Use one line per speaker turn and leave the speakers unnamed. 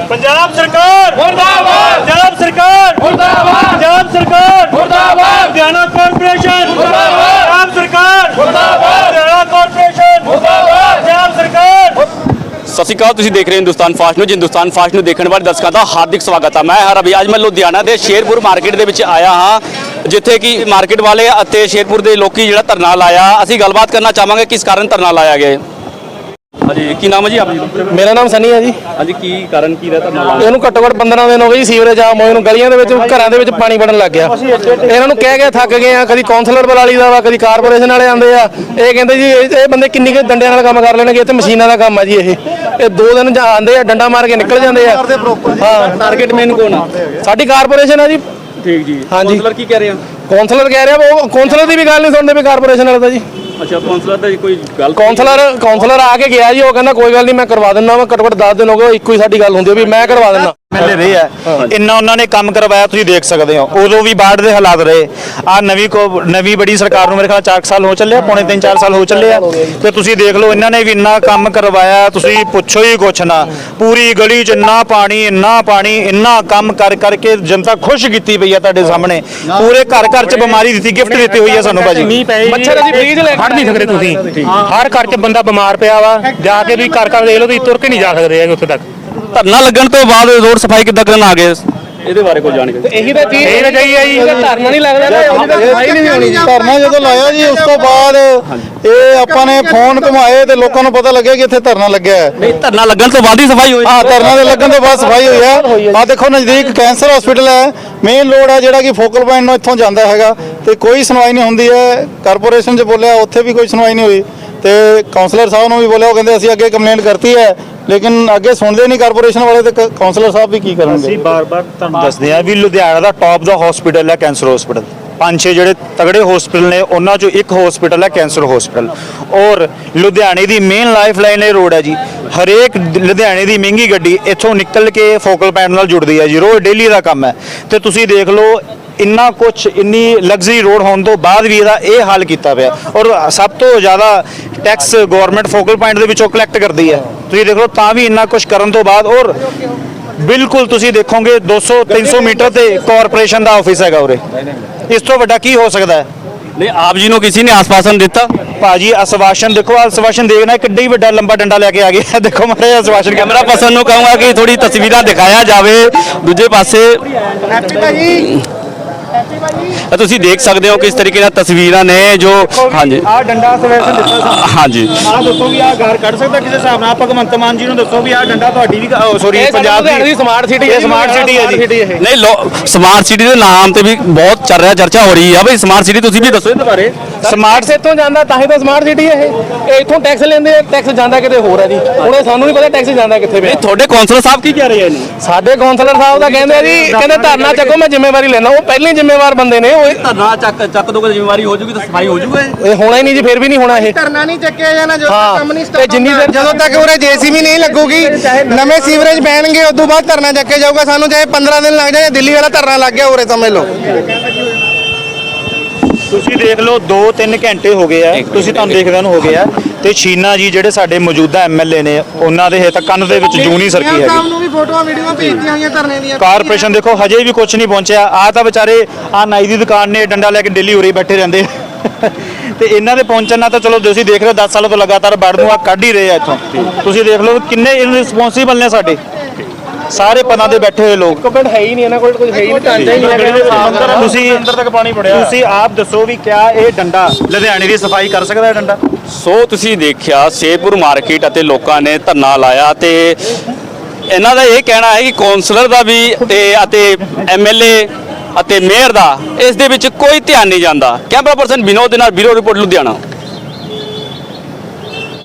पंजाब सरकार मुर्दाबाद, पंजाब सरकार मुर्दाबाद, पंजाब सरकार मुर्दाबाद, हरियाणा कॉर्पोरेशन मुर्दाबाद, पंजाब सरकार मुर्दाबाद, हरियाणा कॉर्पोरेशन मुर्दाबाद, पंजाब सरकार।
ਸਤਿ ਸ਼੍ਰੀ ਅਕਾਲ, ਤੁਸੀਂ ਦੇਖ ਰਹੇ ਹੋ Hindustan fast news. Hindustan fast news ਦੇਖਣ ਵਾਲੇ ਦਰਸ਼ਕਾਂ ਦਾ ਹਾਰਦਿਕ ਸਵਾਗਤ ਹੈ। ਮੈਂ ਹਾਂ ਰਵੀ। ਅੱਜ ਮੈਂ ਲੁਧਿਆਣਾ ਦੇ ਸ਼ੇਰਪੁਰ ਮਾਰਕੀਟ ਦੇ ਵਿੱਚ ਆਇਆ ਹਾਂ, ਜਿੱਥੇ ਕਿ ਮਾਰਕੀਟ ਵਾਲੇ ਅਤੇ ਸ਼ੇਰਪੁਰ ਦੇ ਲੋਕੀ ਜਿਹੜਾ ਧਰਨਾ ਲਾਇਆ, ਅਸੀਂ ਗੱਲਬਾਤ ਕਰਨਾ ਚਾਹਾਂਗੇ ਕਿਸ ਕਾਰਨ ਧਰਨਾ ਲਾਇਆ ਗਿਆ। ਹਾਂਜੀ, ਕੀ ਨਾਮ ਹੈ ਜੀ ਆਪ ਜੀ?
ਮੇਰਾ ਨਾਮ ਸਨੀ ਹੈ ਜੀ।
ਹਾਂਜੀ, ਕੀ ਕਾਰਨ ਕੀ ਦਾ ਧਰਨਾ ਲਾਇਆ?
ਇਹਨੂੰ ਘੱਟੋ ਘੱਟ 15 ਦਿਨ ਹੋ ਗਏ ਜੀ। ਸੀਵਰੇਜ ਆਮ ਹੋਏ ਨੂੰ, ਗਲੀਆਂ ਦੇ ਵਿੱਚ ਘਰਾਂ ਦੇ ਵਿੱਚ ਪਾਣੀ ਵੜਨ ਲੱਗ ਗਿਆ। ਇਹਨਾਂ ਨੂੰ ਕਹਿ ਕੇ ਥੱਕ ਗਏ ਆ। ਕਦੀ ਕੌਂਸਲਰ ਬੁਲਾ ਲਈਦਾ ਵਾ, ਕਦੀ ਕਾਰਪੋਰੇਸ਼ਨ ਵਾਲੇ ਆਉਂਦੇ ਆ। ਇਹ ਕਹਿੰਦੇ ਜੀ ਇਹ ਬੰਦੇ ਕਿੰਨੀ ਕੁ ਡੰਡਿਆਂ ਨਾਲ ਕੰਮ ਕਰ ਲੈਣਗੇ, ਇੱਥੇ ਮਸ਼ੀਨਾਂ ਦਾ ਕੰਮ ਆ ਜੀ। ਇਹ 2 ਦਿਨ ਆਉਂਦੇ ਆ, ਡੰਡਾ ਮਾਰ ਕੇ ਨਿਕਲ ਜਾਂਦੇ ਆ। ਹਾਂ,
ਟਾਰਗੇਟ ਮੇਨ ਕੌਣ ਆ?
ਸਾਡੀ ਕਾਰਪੋਰੇਸ਼ਨ ਆ ਜੀ।
ਠੀਕ ਜੀ।
ਹਾਂਜੀ।
ਕੌਂਸਲਰ ਕੀ ਕਹਿ ਰਹੇ ਆ?
ਕੌਂਸਲਰ ਕਹਿ ਰਿਹਾ, ਉਹ ਕੌਂਸਲਰ ਦੀ ਵੀ ਗੱਲ ਨਹੀਂ ਸੁਣਦੇ ਵੀ ਕਾਰਪੋਰੇਸ਼ਨ ਵਾਲੇ ਦਾ ਜੀ।
ਅੱਛਾ, ਕੌਂਸਲਰ ਦਾ ਕੋਈ ਗੱਲ?
ਕੌਂਸਲਰ ਆ ਕੇ ਗਿਆ ਜੀ। ਉਹ ਕਹਿੰਦਾ ਕੋਈ ਗੱਲ ਨਹੀਂ, ਮੈਂ ਕਰਵਾ ਦਿੰਦਾ ਵਾ। ਘੱਟੋ ਘੱਟ 10 ਦਿਨ ਹੋ ਗਏ, ਇੱਕੋ ਹੀ ਸਾਡੀ ਗੱਲ ਹੁੰਦੀ ਵੀ ਮੈਂ ਕਰਵਾ ਦਿੰਦਾ।
ਪਹਿਲੇ ਰਹੇ ਆ ਇੰਨਾ ਉਹਨਾਂ ਨੇ ਕੰਮ ਕਰਵਾਇਆ, ਤੁਸੀਂ ਦੇਖ ਸਕਦੇ ਹੋ। ਉਦੋਂ ਵੀ ਬਾੜ ਦੇ ਹਾਲਾਤ ਰਹੇ ਆ। ਨਵੀਂ ਬੜੀ ਸਰਕਾਰ ਨੂੰ ਮੇਰੇ ਖਿਆਲ 4 ਸਾਲ ਹੋ ਚੱਲੇ, ਪੌਣੇ 3-4 ਸਾਲ ਹੋ ਚੱਲੇ ਆ। ਤੇ ਤੁਸੀਂ ਦੇਖ ਲਓ, ਇਹਨਾਂ ਨੇ ਵੀ ਇੰਨਾ ਕੰਮ ਕਰਵਾਇਆ, ਤੁਸੀਂ ਪੁੱਛੋ ਹੀ ਕੁਛ ਨਾ। ਪੂਰੀ ਗਲੀ 'ਚ ਇੰਨਾ ਪਾਣੀ, ਇੰਨਾ ਕੰਮ ਕਰਕੇ ਜਨਤਾ ਖੁਸ਼ ਕੀਤੀ ਪਈ ਆ ਤੁਹਾਡੇ ਸਾਹਮਣੇ। ਪੂਰੇ ਘਰ 'ਚ ਬਿਮਾਰੀ ਦਿੱਤੀ, ਗਿਫਟ ਦਿੱਤੀ ਹੋਈ ਆ ਸਾਨੂੰ ਭਾਜੀ।
ਮੱਛਰ ਅਸੀਂ ਫ੍ਰੀਜ ਲੈ
ਫੜ ਨਹੀਂ ਸਕਦੇ ਤੁਸੀਂ। ਹਰ ਘਰ 'ਚ ਬੰਦਾ ਬਿਮਾਰ ਪਿਆ ਵਾ, ਜਾ ਕੇ ਤੁਸੀਂ ਘਰ ਦੇਖ ਲਓ, ਤੁਸੀਂ ਤੁਰ ਕੇ ਨਹੀਂ ਜਾ ਸਕਦੇ ਹੈਗੇ ਉੱਥੇ ਤੱਕ।
ਧਰਨਾ ਲੱਗਣ ਤੋਂ ਬਾਅਦ ਰੋਡ ਸਫਾਈ ਕਿੱਦਾਂ ਕਰਨ ਆ ਗਏ? ਇਹਦੇ ਬਾਰੇ ਕੋਈ ਜਾਣਕਾਰੀ?
ਇਹੀ ਤਾਂ ਚੀਜ਼
ਇਹ ਚਾਹੀਏ ਜੀ।
ਧਰਨਾ ਨਹੀਂ ਲੱਗਦਾ ਨਾ, ਉਹਦੀ ਤਾਂ ਸਫਾਈ ਨਹੀਂ ਹੋਣੀ।
ਧਰਨਾ ਜਦੋਂ ਲਾਇਆ ਜੀ, ਉਸ ਤੋਂ ਬਾਅਦ ਇਹ ਆਪਾਂ ਨੇ ਫੋਨ ਘੁਮਾਏ ਤੇ ਲੋਕਾਂ ਨੂੰ ਪਤਾ ਲੱਗਿਆ ਕਿ ਇੱਥੇ ਧਰਨਾ ਲੱਗਿਆ ਹੈ।
ਨਹੀਂ, ਧਰਨਾ ਲੱਗਣ ਤੋਂ ਬਾਅਦ ਹੀ ਸਫਾਈ ਹੋਈ?
ਹਾਂ, ਧਰਨਾ ਦੇ ਲੱਗਣ ਤੋਂ ਬਾਅਦ ਸਫਾਈ ਹੋਈ ਹੈ। ਆ ਦੇਖੋ, ਨਜ਼ਦੀਕ ਕੈਂਸਰ ਹਸਪੀਟਲ ਹੈ, ਮੇਨ ਰੋਡ ਹੈ ਜਿਹੜਾ ਕਿ ਫੋਕਲ ਪੁਆਇੰਟ ਨੂੰ ਇੱਥੋਂ ਜਾਂਦਾ ਹੈਗਾ, ਤੇ ਕੋਈ ਸੁਣਵਾਈ ਨਹੀਂ ਹੁੰਦੀ ਹੈ। ਕਾਰਪੋਰੇਸ਼ਨ 'ਚ ਬੋਲਿਆ, ਉੱਥੇ ਵੀ ਕੋਈ ਸੁਣਵਾਈ ਨਹੀਂ ਹੋਈ। ਤੇ ਕਾਉਂਸਲਰ ਸਾਹਿਬ ਨੂੰ ਵੀ ਬੋਲਿਆ, ਉਹ ਕਹਿੰਦੇ ਅਸੀਂ ਅੱਗੇ ਕੰਪਲੇਂਟ ਕਰਤੀ ਹੈ, ਲੇਕਿਨ ਅੱਗੇ ਸੁਣਦੇ ਨਹੀਂ ਕਾਰਪੋਰੇਸ਼ਨ ਵਾਲੇ। ਤੇ ਕਾਉਂਸਲਰ ਸਾਹਿਬ ਵੀ ਕੀ ਕਰਨਗੇ?
ਅਸੀਂ ਬਾਰ-ਬਾਰ ਤੁਹਾਨੂੰ ਦੱਸਦੇ ਆ ਵੀ ਲੁਧਿਆਣਾ ਦਾ ਟੌਪ ਦਾ ਹਸਪੀਟਲ ਹੈ ਕੈਂਸਰ ਹਸਪੀਟਲ। 5-6 ਜਿਹੜੇ ਤਗੜੇ ਹਸਪੀਟਲ ਨੇ, ਉਹਨਾਂ 'ਚੋਂ ਇੱਕ ਹਸਪੀਟਲ ਹੈ ਕੈਂਸਰ ਹਸਪੀਟਲ। ਔਰ ਲੁਧਿਆਣੇ ਦੀ ਮੇਨ ਲਾਈਫ ਲਾਈਨ ਇਹ ਰੋਡ ਹੈ ਜੀ। ਹਰੇਕ ਲੁਧਿਆਣੇ ਦੀ ਮਹਿੰਗੀ ਗੱਡੀ ਇੱਥੋਂ ਨਿਕਲ ਕੇ ਫੋਕਲ ਪੁਆਇੰਟ ਨਾਲ ਜੁੜਦੀ ਹੈ ਜੀ। ਰੋਜ਼ ਡੇਲੀ ਦਾ ਕੰਮ ਹੈ। ਤੇ ਤੁਸੀਂ ਦੇਖ ਲਓ, ਇੰਨੀ ਲਗਜ਼ਰੀ ਰੋਡ ਹੋਣ ਤੋਂ ਬਾਅਦ ਵੀ ਇਹਦਾ ਇਹ ਹਾਲ ਕੀਤਾ ਪਿਆ। ਔਰ ਸਭ ਤੋਂ ਜ਼ਿਆਦਾ ਟੈਕਸ ਗਵਰਨਮੈਂਟ ਫੋਕਲ ਪੁਆਇੰਟ ਦੇ ਵਿੱਚੋਂ ਕਲੈਕਟ ਕਰਦੀ ਹੈ। ਤੁਸੀਂ ਦੇਖ ਲਓ, ਤਾਂ ਵੀ ਇੰਨਾ ਕੁਝ ਕਰਨ ਤੋਂ ਬਾਅਦ। ਔਰ ਬਿਲਕੁਲ ਤੁਸੀਂ ਦੇਖੋਗੇ 200-300 ਮੀਟਰ ਤੇ ਕਾਰਪੋਰੇਸ਼ਨ ਦਾ ਆਫਿਸ ਹੈਗਾ ਉਰੇ। ਇਸ ਤੋਂ ਵੱਡਾ ਕੀ ਹੋ ਸਕਦਾ ਹੈ?
ਨਹੀਂ, ਆਪ ਜੀ ਨੂੰ ਕਿਸੇ ਨੇ ਆਸਵਾਸ਼ਨ ਦਿੱਤਾ?
ਭਾਜੀ ਆਸਵਾਸ਼ਨ ਦੇਖੋ, ਆਸਵਾਸ਼ਨ ਦੇਖਣਾ ਕਿੱਡਾ ਹੀ ਵੱਡਾ ਲੰਬਾ ਡੰਡਾ ਲੈ ਕੇ ਆ ਗਿਆ। ਦੇਖੋ ਮਾਰੇ ਆਸਵਾਸ਼ਨ।
ਕੈਮਰਾ ਪਰਸਨ ਨੂੰ ਕਹੂੰਗਾ ਕਿ ਥੋੜੀ ਤਸਵੀਰਾਂ ਦਿਖਾਇਆ ਜਾਵੇ ਦੂਜੇ ਪਾਸੇ। ਤੁਸੀਂ ਦੇਖ ਸਕਦੇ ਹੋ ਕਿਸ ਤਰੀਕੇ ਨਾਲ ਤਸਵੀਰਾਂ ਨੇ ਜੋ। ਹਾਂਜੀ,
ਆਹ ਡੰਡਾ ਆਸਵਾਸ਼ਨ ਦਿੱਤਾ ਸਾਨੂੰ।
ਹਾਂਜੀ,
ਆਹ ਦੱਸੋ ਵੀ ਆਹ ਘਰ ਕੱਢ ਸਕਦਾ ਕਿਸੇ ਹਿਸਾਬ ਨਾਲ? ਭਗਵੰਤ ਮਾਨ ਜੀ ਨੂੰ ਦੱਸੋ ਵੀ ਆਹ ਡੰਡਾ ਤੁਹਾਡੀ ਵੀ ਸੋਰੀ ਪੰਜਾਬ ਦੀ
ਸਮਾਰਟ ਸਿਟੀ
ਇਹ ਸਮਾਰਟ ਸਿਟੀ ਹੈ ਜੀ।
ਨਹੀਂ, ਸਮਾਰਟ ਸਿਟੀ ਦੇ ਨਾਮ ਤੇ ਵੀ ਬਹੁਤ ਚੱਲ ਰਿਹਾ, ਚਰਚਾ ਹੋ ਰਹੀ ਹੈ ਬਈ ਸਮਾਰਟ ਸਿਟੀ। ਤੁਸੀਂ ਵੀ ਦੱਸੋ ਇਹਦੇ ਬਾਰੇ।
ਸਮਾਰਟ ਇੱਥੋਂ ਜਾਂਦਾ ਤਾਂ ਹੀ ਤਾਂ ਸਮਾਰਟ ਸਿਟੀ ਹੈ ਇਹ। ਇੱਥੋਂ ਟੈਕਸ ਲੈਂਦੇ ਆ, ਟੈਕਸ ਜਾਂਦਾ ਕਿਤੇ ਹੋਰ ਹੈ ਜੀ। ਹੁਣ ਸਾਨੂੰ ਨਹੀਂ ਪਤਾ ਟੈਕਸ ਜਾਂਦਾ ਕਿੱਥੇ ਪਿਆ।
ਤੁਹਾਡੇ ਕੌਂਸਲਰ ਸਾਹਿਬ ਕੀ ਕਹਿ ਰਹੇ ਨੇ?
ਸਾਡੇ ਕੌਂਸਲਰ ਸਾਹਿਬ ਤਾਂ ਕਹਿੰਦੇ ਆ ਜੀ, ਕਹਿੰਦੇ ਧਰਨਾ ਚੱਕੋ, ਮੈਂ ਜ਼ਿੰਮੇਵਾਰੀ ਲੈਣਾ। ਉਹ ਪਹਿਲੇ ਜ਼ਿੰਮੇਵਾਰ ਬੰਦੇ ਨੇ। ਉਹ
ਧਰਨਾ ਚੱਕ ਦੋਗੇ, ਜ਼ਿੰਮੇਵਾਰੀ ਹੋ ਜੂਗੀ ਤਾਂ ਸਫਾਈ ਹੋ ਜੂਗਾ।
ਇਹ ਹੋਣਾ ਹੀ ਨਹੀਂ ਜੀ, ਫਿਰ ਵੀ ਨਹੀਂ ਹੋਣਾ ਇਹ।
ਧਰਨਾ ਨਹੀਂ ਚੱਕਿਆ ਜਾਣਾ ਜਦੋਂ ਤੱਕ ਕੰਮ ਨਹੀਂ
ਤੇ ਜਿੰਨੀ ਦੇਰ
ਜਦੋਂ ਤੱਕ ਉਰੇ ਜੇਸੀਬੀ ਨਹੀਂ ਲੱਗੂਗੀ, ਨਵੇਂ ਸੀਵਰੇਜ ਬਹਿਣਗੇ, ਉਦੋਂ ਬਾਅਦ ਧਰਨਾ ਚੱਕਿਆ ਜਾਊਗਾ। ਸਾਨੂੰ ਚਾਹੇ 15 ਦਿਨ ਲੱਗ ਜਾਏ। ਦਿੱਲੀ ਵਾਲਾ ਧਰਨਾ ਲੱਗ ਗਿਆ ਉਰੇ, ਸਮਝ ਲਓ।
ਤੁਸੀਂ ਦੇਖ ਲਓ 2-3 ਘੰਟੇ ਹੋ ਗਏ ਆ, ਤੁਸੀਂ ਤੁਹਾਨੂੰ ਦੇਖਦਿਆਂ ਨੂੰ ਹੋ ਗਏ ਆ। ਤੇ ਸ਼ੀਨਾ ਜੀ ਜਿਹੜੇ ਸਾਡੇ ਮੌਜੂਦਾ ਐਮਐਲਏ ਨੇ, ਉਹਨਾਂ ਦੇ ਹੇ ਤੱਕ ਕੰਨ ਦੇ ਵਿੱਚ ਜੂੰ ਨਹੀਂ ਸਰਕੀ ਹੈਗੀ।
ਸਾਹਿਬ ਨੂੰ ਵੀ ਫੋਟੋਆਂ ਵੀਡੀਓ ਭੇਜੀਆਂ ਹੋਈਆਂ ਧਰਨੇ ਦੀਆਂ।
ਕਾਰਪੋਰੇਸ਼ਨ ਦੇਖੋ ਹਜੇ ਵੀ ਕੁਝ ਨਹੀਂ ਪਹੁੰਚਿਆ। ਆ ਤਾਂ ਵਿਚਾਰੇ ਆ ਨਾਈ ਦੀ ਦੁਕਾਨ ਨੇ, ਡੰਡਾ ਲੈ ਕੇ ਦਿੱਲੀ ਉਰੇ ਬੈਠੇ ਰਹਿੰਦੇ। ਤੇ ਇਹਨਾਂ ਦੇ ਪਹੁੰਚਣ ਨਾਲ ਤਾਂ ਚਲੋ ਤੁਸੀਂ ਦੇਖ ਰਹੇ ਹੋ 10 ਸਾਲਾਂ ਤੋਂ ਲਗਾਤਾਰ ਵੜ ਨੂੰ ਆ ਕੱਢ ਹੀ ਰਹੇ ਆ ਇੱਥੋਂ। ਤੁਸੀਂ ਦੇਖ ਲਓ ਕਿੰਨੇ ਇਰਰਿਸਪੌਂਸਿਬਲ ਨੇ ਸਾਡੇ ਸਾਰੇ ਪਨਾਂ ਦੇ ਬੈਠੇ ਹੋਏ ਲੋਕ।
ਪਿੰਡ ਹੈ ਹੀ ਨਹੀਂ ਇਹਨਾਂ ਕੋਲ, ਕੁਝ ਹੈ ਹੀ ਨਹੀਂ, ਢਾਂਚਾ ਹੀ ਨਹੀਂ ਹੈਗਾ।
ਤੁਸੀਂ ਅੰਦਰ ਤੱਕ ਪਾਣੀ ਵੜਿਆ। ਤੁਸੀਂ ਆਪ ਦੱਸੋ ਵੀ ਕਿਆ ਇਹ ਡੰਡਾ ਲੁਧਿਆਣੇ ਦੀ ਸਫਾਈ ਕਰ ਸਕਦਾ ਹੈ ਡੰਡਾ?
ਸੋ ਤੁਸੀਂ ਦੇਖਿਆ ਸ਼ੇਰਪੁਰ ਮਾਰਕੀਟ ਅਤੇ ਲੋਕਾਂ ਨੇ ਧਰਨਾ ਲਾਇਆ ਤੇ ਇਹਨਾਂ ਦਾ ਇਹ ਕਹਿਣਾ ਹੈ ਕਿ ਕੌਂਸਲਰ ਦਾ ਵੀ ਅਤੇ ਐਮਐਲਏ ਅਤੇ ਮੇਅਰ ਦਾ ਇਸ ਦੇ ਵਿੱਚ ਕੋਈ ਧਿਆਨ ਨਹੀਂ ਜਾਂਦਾ। ਕੈਮਰਾ ਪਰਸਨ ਵਿਨੋਦ ਦੇ ਨਾਲ ਬਿਊਰੋ ਰਿਪੋਰਟ ਲੁਧਿਆਣਾ।